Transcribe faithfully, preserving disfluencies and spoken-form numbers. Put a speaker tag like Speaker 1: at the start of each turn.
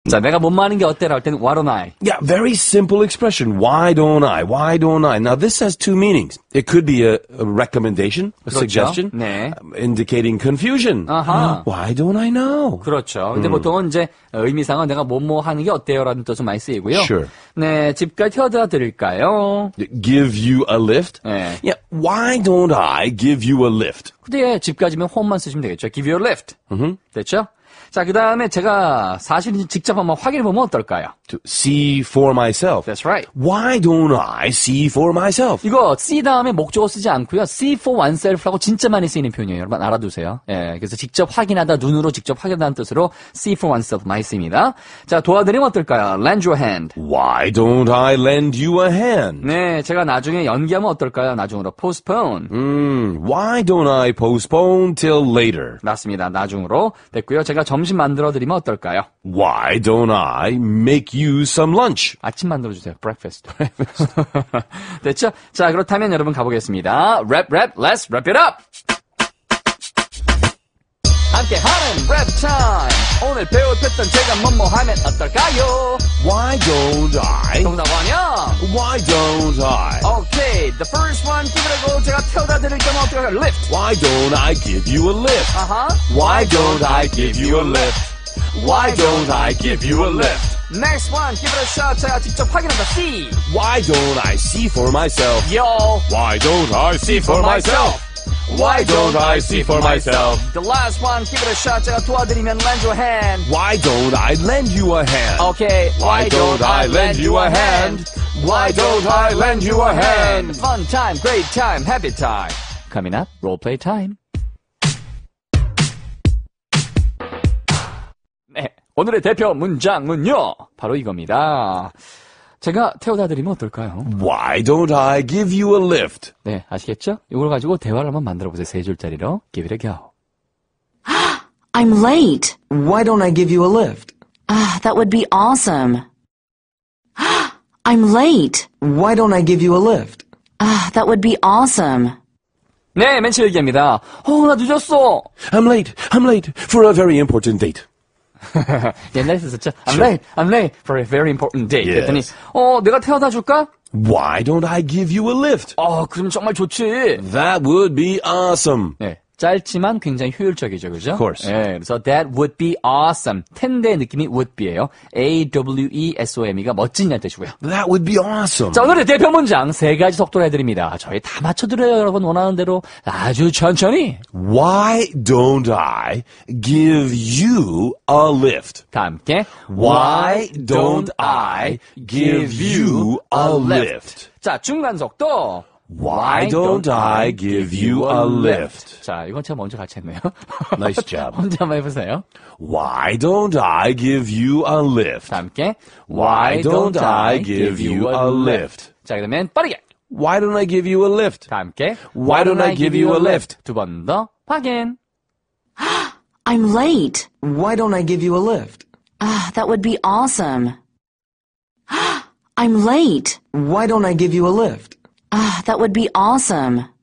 Speaker 1: 자, 내가 못 마는 게 어때라 할 때는 why don't I?
Speaker 2: Yeah, very simple expression. Why don't I? Why don't I? Now, this has two meanings. It could be a, a recommendation, a
Speaker 1: 그렇죠.
Speaker 2: suggestion,
Speaker 1: 네.
Speaker 2: um, indicating confusion.
Speaker 1: 아하.
Speaker 2: Why don't I know?
Speaker 1: 그렇죠. 근데 보통은 이제 의미상은 내가 뭐뭐 하는 게 어때요라는 뜻으로 많이 쓰이고요.
Speaker 2: Sure.
Speaker 1: 네, 집까지 태워다 드릴까요?
Speaker 2: Give you a lift?
Speaker 1: 네.
Speaker 2: Yeah, why don't I give you a lift?
Speaker 1: 근데 집까지면 home만 쓰시면 되겠죠. Give you a lift. 됐죠? 자, 그 다음에 제가 사실 직접 한번 확인해보면 어떨까요?
Speaker 2: To see for myself.
Speaker 1: That's right.
Speaker 2: Why don't I see for myself?
Speaker 1: 이거 see 다음에 목적어 쓰지 않고요. see for oneself라고 진짜 많이 쓰이는 표현이에요. 여러분 알아두세요. 예, 그래서 직접 확인하다, 눈으로 직접 확인하다는 뜻으로 see for oneself 많이 씁니다. 자, 도와드리면 어떨까요? lend your hand.
Speaker 2: Why don't I lend you a hand?
Speaker 1: 네, 제가 나중에 연기하면 어떨까요? 나중으로 postpone.
Speaker 2: Mm, why don't I postpone till later?
Speaker 1: 맞습니다. 나중으로 됐고요. 제가 점심 만들어드리면 어떨까요?
Speaker 2: Why don't I make you some lunch?
Speaker 1: 아침 만들어주세요. breakfast. 됐죠? 자, 그렇다면 여러분 가보겠습니다. Rap, rap, let's wrap it up! 함께 하는 랩 타임! 오늘 배울 패턴 제가 뭐뭐 하면 어떨까요?
Speaker 2: Why don't I?
Speaker 1: 정답 아니야?
Speaker 2: Why don't I?
Speaker 1: Okay, the first one 기다리고 제가 태워다 드릴 거면 어떨까요? Lift!
Speaker 2: Why don't I give you a lift?
Speaker 1: 아하.
Speaker 2: Why don't I give you a lift? Why don't I give you a lift?
Speaker 1: Next one, give it a shot. 제가 직접 확인한다. See!
Speaker 2: Why don't I see for myself?
Speaker 1: Yo!
Speaker 2: Why don't I see for myself? Why don't I see for myself?
Speaker 1: The last one, give it a shot. 제가 도와드리면 lend your hand.
Speaker 2: Why don't I lend you a hand?
Speaker 1: Okay,
Speaker 2: Why don't I lend you a hand? Why don't I lend you a hand?
Speaker 1: Fun time, great time, happy time. Coming up, role play time. 네, 오늘의 대표 문장은요. 바로 이겁니다. 제가 태워다 드리면 어떨까요?
Speaker 2: Why don't I give you a lift?
Speaker 1: 네, 아시겠죠? 이걸 가지고 대화를 한번 만들어 보세요. 세 줄짜리로. Give it a go.
Speaker 3: I'm late.
Speaker 4: Why don't I give you a lift?
Speaker 3: Ah, that would be awesome. I'm late.
Speaker 4: Why don't I give you a lift?
Speaker 3: Ah, that would be awesome.
Speaker 1: 네, 맨 처음 얘기합니다. 어, 나 늦었어.
Speaker 2: I'm late. I'm late for a very important date.
Speaker 1: 옛날에 썼었죠? I'm
Speaker 2: Sure.
Speaker 1: late, I'm late for a very important date.
Speaker 2: Yes.
Speaker 1: 그랬더니, 어, 내가 태워다 줄까?
Speaker 2: Why don't I give you a lift?
Speaker 1: 어, 그럼 정말 좋지.
Speaker 2: That would be awesome.
Speaker 1: 네. 짧지만 굉장히 효율적이죠, 그죠?
Speaker 2: Of course.
Speaker 1: 네, 그래서 that would be awesome. 텐데의 느낌이 would be예요. A W E S O M E가 멋진이라는 뜻이고요.
Speaker 2: That would be awesome.
Speaker 1: 자, 오늘의 대표 문장 세 가지 속도로 해드립니다. 저희 다 맞춰드려요, 여러분 원하는 대로 아주 천천히.
Speaker 2: Why don't I give you a lift?
Speaker 1: 다 함께.
Speaker 2: Why don't I give you a lift?
Speaker 1: 자, 중간 속도.
Speaker 2: Why don't I give you a lift?
Speaker 1: 자, 이건 제가 먼저 같이 했네요.
Speaker 2: Nice job.
Speaker 1: 혼자 한번 해보세요.
Speaker 2: Why don't I give you a lift?
Speaker 1: 다 함께.
Speaker 2: Why don't I give you a lift?
Speaker 1: 자, 그러면 빠르게.
Speaker 2: Why don't I give you a lift?
Speaker 1: 다 함께.
Speaker 2: Why don't I give you a lift?
Speaker 1: 두 번 더 확인.
Speaker 3: I'm late.
Speaker 4: Why don't I give you a lift?
Speaker 3: Ah, that would be awesome. I'm late.
Speaker 4: Why don't I give you a lift?
Speaker 3: Ah, that would be awesome.